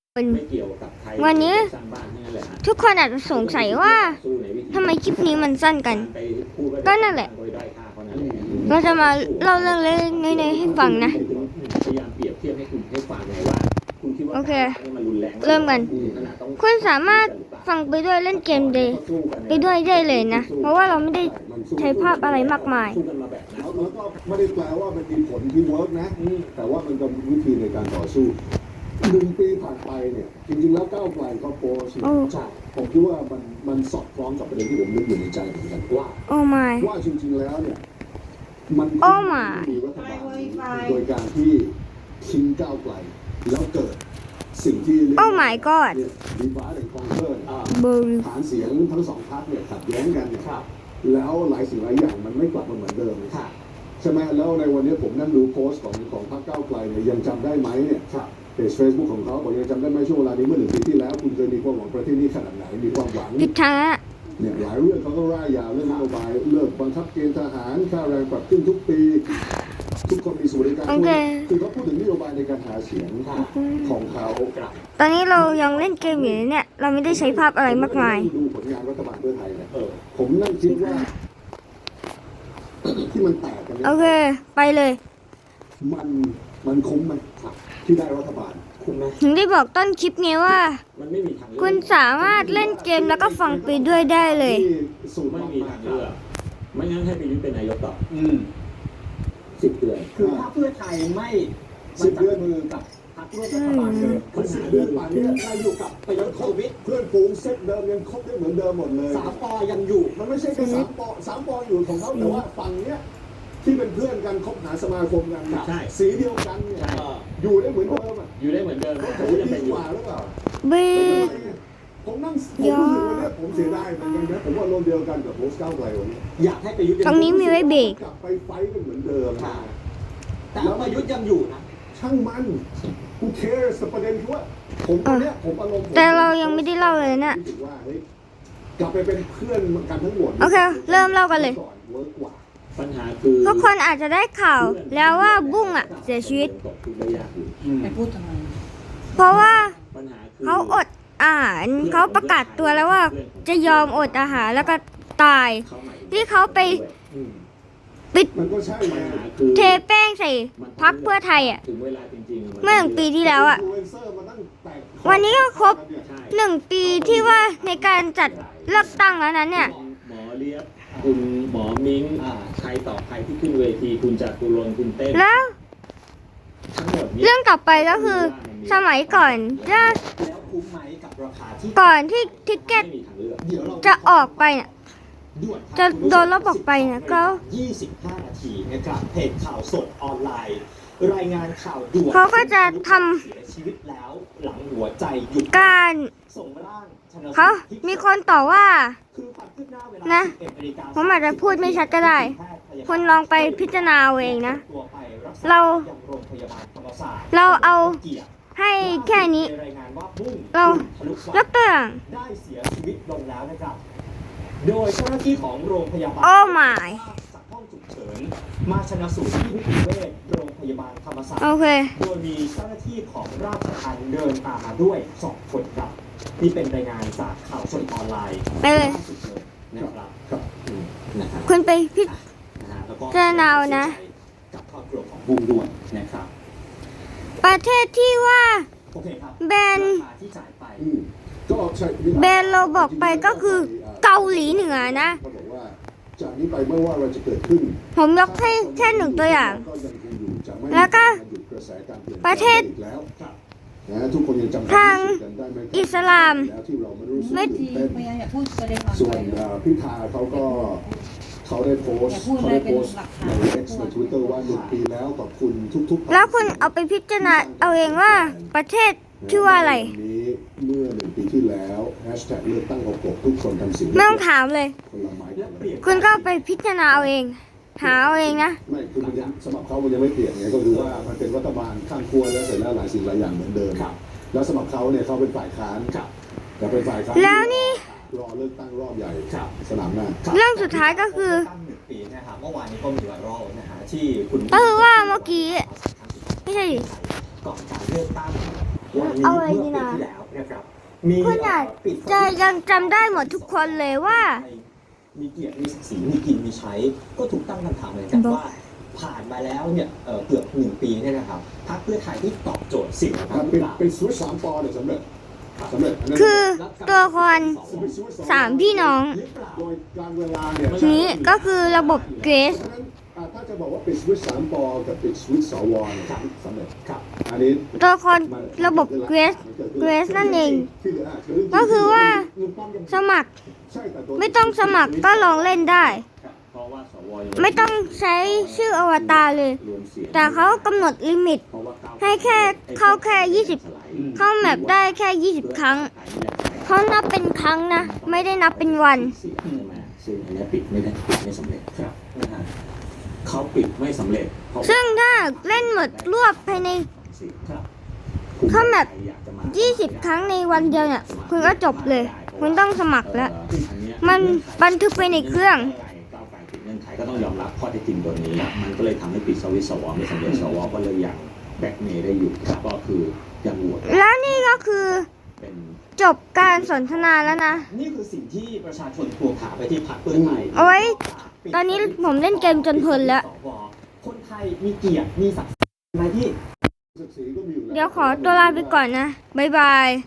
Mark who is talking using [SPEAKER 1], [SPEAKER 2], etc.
[SPEAKER 1] วันนี้ทุกคนอาจจะสงสัยว่าทำไมคลิปนี้มันสั้นกันก็นั่นแหละเราจะมาเล่าเรื่องเล็กๆน้อยๆให้ฟังนะโอเคเริ่มกันคุณสามารถฟังไปด้วยเล่นเกมไปด้วยได้เลยนะเพราะว่าเราไม่ได้ใช้ภาพอะไรมากมาย
[SPEAKER 2] แล้วก็ไม่ได้แปลว่ามันมีผลที่เวิร์กนะแต่ว่ามันก็มีวิธีในการต่อสู้1 ปีผ่านไปเนี่ยจริงๆแล้วก้าวไกลเขาโพสต์ผมคิดว่ามันสอดคล้องกับประเด็นที่ผมนึกอยู่ในใจเหมือนกันว่าจริงๆแล้วเนี่ยมันมีรัฐบาลโดยการที่ทิ้งก้าวไกลแล้วเกิดสิ่งที่เรียกว่าดีฟ้าหรือคอนเทอร์ฐานเสียงทั้งสองพรรคเนี่ยขัดแย้งกันเนี่ยแล้วหลายสิ่งหลายอย่างมันไม่กลับมาเหมือนเดิมใช่ไหมแล้วในวันนี้ผมนั่งดูโพสต์ของพรรคก้าวไกลเนี่ยยังจำได้ไหมเนี่ยเพจ Facebook ของเขาบอกยังจำได้ไหมช่วงเวลานี้เมื่อ1 ปีที่แล้วคุณเคยมีความหวังประเทศนี้ขนาดไหนมีความหวัง
[SPEAKER 1] พิธา
[SPEAKER 2] เนี่ยหลายเรื่องเขาก็ร่ายยาวเรื่องนโยบายเลิกบังคับเกณฑ์ทหารค่าแรงปรับขึ้นทุกปีทุกคนมีสวัสดิการคือเขาพูดถึงนโยบายในการหาเสียงของเขา
[SPEAKER 1] ตอนนี้เรายังเล่นเกมอยู่เนี่ยเราไม่ได้ใช้ภาพอะไรมากมาย
[SPEAKER 2] ดูผลงานรัฐบาลเพื่อไทยนะผมนั่งคิดว่าที่มันแตกกัน
[SPEAKER 1] โอเคไปเลย
[SPEAKER 2] มันคุ้มไหมที่ได้รัฐบาลคุ้มไหม
[SPEAKER 1] ถึงได้บอกต้นคลิปไงว่าคุณสามารถเล่นเกมแล้วก็ฟังไปด้วยได้เลย
[SPEAKER 3] ไม่มีทางเลือกไม่งั้นให้ประยุทธ์เป็นนายกต่อ10 เดือน
[SPEAKER 4] คือถ้าเพื่อไทยไม่
[SPEAKER 2] 10 เดือน
[SPEAKER 4] มือกับพรรคร่วมรัฐบาลเลย
[SPEAKER 2] มัน10 เดือนป่านนี้เราอยู่กับประยุทธ์โควิดเพื่อนฝูงเซตเดิมยังคบได้เหมือนเดิมหมดเลย
[SPEAKER 4] 3 ป.ยังอยู่
[SPEAKER 2] มันไม่ใช่แค่3 ป.อยู่ของเขาแต่ว่าฝั่งเนี้ยที่เป็นเพื่อนกันคบหาสมาคมกันสีเดียวกันเนี่ยอยู่ได้เหมือนเดิม
[SPEAKER 3] อยู่ได้เหมือนเดิม
[SPEAKER 2] เขาจะดีกว่าหรือเปล่าผมนั่งผมรู้สึกวันนี้ผมเสียดายเหมือนกันนะผมว่าโลกเดียวกันกับโพสต์ก้าวไกลวันนี้
[SPEAKER 4] อยากให้ประยุทธ์
[SPEAKER 1] ตรงนี้มีไว้เบรก
[SPEAKER 2] กลับไปไฟกันเหมือนเดิม
[SPEAKER 4] แต่ประยุทธ์ยังอยู่นะ
[SPEAKER 2] ช่างมันกูเคร์สประเด็นคือว่าผมตอนนี้ผมอารมณ์
[SPEAKER 1] แต่เรายังไม่ได้เล่าเลยนะ
[SPEAKER 2] กลับไปเป็นเพื่อนกันทั้งหมด
[SPEAKER 1] โอเคเริ่มเล่ากันเลย
[SPEAKER 3] ปัญหาคือ
[SPEAKER 1] ทุกคนอาจจะได้ข่าวแล้วว่าบุ้งเสียชีวิต
[SPEAKER 4] ไปพูดทำไม
[SPEAKER 1] เพราะว่าเขาอดอาหารเขาประกาศตัวแล้วว่าจะยอมอดอาหารแล้วก็ตายที่เขาไปปิดเทแป้งใส่พรรคเพื่อไทยเมื่อ1 ปีที่แล้ววันนี้ก็ครบ1 ปีที่ว่าในการจัดเลือกตั้งแล้วนั้นเนี่ย
[SPEAKER 3] หมอเลียบคุณหมอมิ้งใครต่อใครที่ขึ้นเวทีคุณจตุรนต์คุณเต้น
[SPEAKER 1] แล้วเรื่องต่อไปก็คือสมัยก่อนก่อนที่ทิกเก็ตจะออกไปเนี่ยจะโดนลบออกไปเนี่ยก็
[SPEAKER 4] 25 นาทีนะครับเพจข่าวสดออนไลน์รายงานข่าวด่วน
[SPEAKER 1] เขาก็จะท
[SPEAKER 4] ำเสียชีวิตแล้วหลังหัวใจหยุด
[SPEAKER 1] การ
[SPEAKER 4] ส่งร่าง
[SPEAKER 1] เขามีคนต่อว่านะผมอาจจะพูดไม่ชัดก็ได้คุณลองไปพิจารณาเองนะเราเอาให้แค่นี้เรายกตัวอย่าง
[SPEAKER 4] ได้เสียชีวิตลงแล้วนะครับโดยเจ้าหน้าที่ของโรงพยาบาล
[SPEAKER 1] จาก
[SPEAKER 4] ห้องฉุกเฉินมาชันสูตรที่นิติเวชโรงพยาบาลธรรมศาสตร์โดยมีเจ้าหน้าที่ของราชทัณฑ์เดินตามมาด้วย2 คนครับนี่เป็นรายงานจากข่าวสดออนไลน์
[SPEAKER 1] ไปเลย
[SPEAKER 4] นะครับ
[SPEAKER 1] คุณไปพิจารณานะ
[SPEAKER 4] กับครอบครัวของบุ้งด้วยนะครับ
[SPEAKER 1] ประเทศที่ว่าแบนเราบอกไปก็คือเกาหลีเหนือนะ
[SPEAKER 2] จากนี้ไปเมื่อว่าเราจะเกิดขึ้น
[SPEAKER 1] ผมยกให้แค่1 ตัวอย่างแล้วก็ประเทศทางอิสลามไม่
[SPEAKER 2] ส่วนพิธาเขาได้โพสต์ใน X ใน Twitter ว่า1 ปีแล้วขอบคุณทุกๆ
[SPEAKER 1] แล้วคุณเอาไปพิจารณาเอาเองว่าประเทศชื่อว่าอะไร
[SPEAKER 2] เมื่อ1 ปีที่แล้วแฮชแท็กเลือกตั้ง66ทุกคนทำสิ่ง
[SPEAKER 1] ไม่ต้องถามเลยคุณก็ไปพิจารณาเอาเองหาเอาเองนะ
[SPEAKER 2] ไม่คือมันสำหรับเขามันยังไม่เปลี่ยนไงก็คือว่ามันเป็นรัฐบาลข้างครัวแล้วเสร็จแล้วหลายสิ่งหลายอย่างเหมือนเดิมแล้วสำหรับเขาเนี่ยเขาเป็นฝ่ายค้านแต่เป็นฝ่ายค้าน
[SPEAKER 1] แล้วนี่
[SPEAKER 2] รอเลือกตั้งรอบใหญ่สนามหน้า
[SPEAKER 1] เรื่องสุดท้ายก็คือ
[SPEAKER 4] 1 ปีนะครับเมื่อวานนี้ก็มีไวรัลนะฮะที่คุณ
[SPEAKER 1] ว่าเมื่อกี้ไม่ใช่
[SPEAKER 4] ก่อนการเลือกตั้งวันนี้
[SPEAKER 1] เอาไว้
[SPEAKER 4] เมื่อ
[SPEAKER 1] นี่
[SPEAKER 4] ปี
[SPEAKER 1] นะ
[SPEAKER 4] ที่แล้วนะครับมี
[SPEAKER 1] คุณอาจ
[SPEAKER 4] ปิดสวิตช์
[SPEAKER 1] จะยังจำได้หมดทุกคนเลยว่า
[SPEAKER 4] มีเกียรติมีศักดิ์ศรีมีกินมีใช้ ก็ถูกตั้งคำถามเหมือนกันว่าผ่านมาแล้วเนี่ยเกือบ1 ปีเนี่ยนะครับพรรคเพื่อไทยที่ตอบโจทย์สิ่งเหล่านั้นหรือเปล่า
[SPEAKER 2] เป็นสวิตช์3 ปอเนี่ยสำเร็จอันนั้น
[SPEAKER 1] คือตัวละคร
[SPEAKER 2] เป็นสวิตช์
[SPEAKER 1] 3 พี่น้อง
[SPEAKER 4] หรือเปล่า
[SPEAKER 2] โดยการเวลาเนี่ย
[SPEAKER 1] ทีนี้ก็คือระบบเกรส
[SPEAKER 2] เพราะฉะนั้นถ้าจะบอกว่าปิดสวิตช์3 ปอกับปิดสวิตช์สวเนี่ยสำเร็จ
[SPEAKER 4] ครับ
[SPEAKER 2] อันนี้
[SPEAKER 1] ตัวละครระบบเกรสนั่นเอง ก็คือว่าสมัคร
[SPEAKER 2] ใช่แต่โดย
[SPEAKER 1] ไม่ต้องสมัครก็ลองเล่นได้
[SPEAKER 3] เพราะว่าสวยัง
[SPEAKER 1] ไม่ต้องใช้ชื่ออวตารเลย
[SPEAKER 3] รวมเสียง
[SPEAKER 1] แต่เขากำหนดลิมิต
[SPEAKER 3] เพราะว่าก้าวไกล
[SPEAKER 1] ให้แค่เข้าแค่20 เข้าแมปได้แค่ 20 ครั้ง เขานับเป็นครั้งนะ ไม่ได้นับเป็นวัน
[SPEAKER 3] เสียงใช่ไหมซึ่งอันเนี้ยปิดไม่สำเร็จครับนะฮะเขาปิดไม่สำเร็จเพราะว่า
[SPEAKER 1] ซึ่งถ้าเล่นหมดรวบภายใน
[SPEAKER 3] ครับ
[SPEAKER 1] เข้าแมป 20 ครั้งในวันเดียวเนี่ย คุณก็จบเลย คุณต้องสมัครแล้ว มันบันทึกไปในเครื่อง
[SPEAKER 3] ก้าวไกลปิดเงื่อนไขก็ต้องยอมรับข้อเท็จจริงตัวนี้ มันก็เลยทำให้ปิดสวิตช์สวไม่สำเร็จสวก็เลยยังแบ็กเมย์ได้อยู่ก็คือยังโหวต
[SPEAKER 1] แล้วนี่ก็คือ
[SPEAKER 3] เป็น
[SPEAKER 1] จบการสนทนาแล้วนะ
[SPEAKER 4] นี่คือสิ่งที่ประชาชนทวงถามไปที่พรรคเพื่อไทย
[SPEAKER 1] เอาไว้ ตอนนี้ผมเล่นเกมจนเพลินแล้ว
[SPEAKER 4] คนไทยมีเกียรติมีศักดิ์ศรีไหมที่
[SPEAKER 2] ศักดิ์ศรีก็มีอยู่แล้ว
[SPEAKER 1] เดี๋ยวขอตัวลาไปก่อนนะ บ๊ายบาย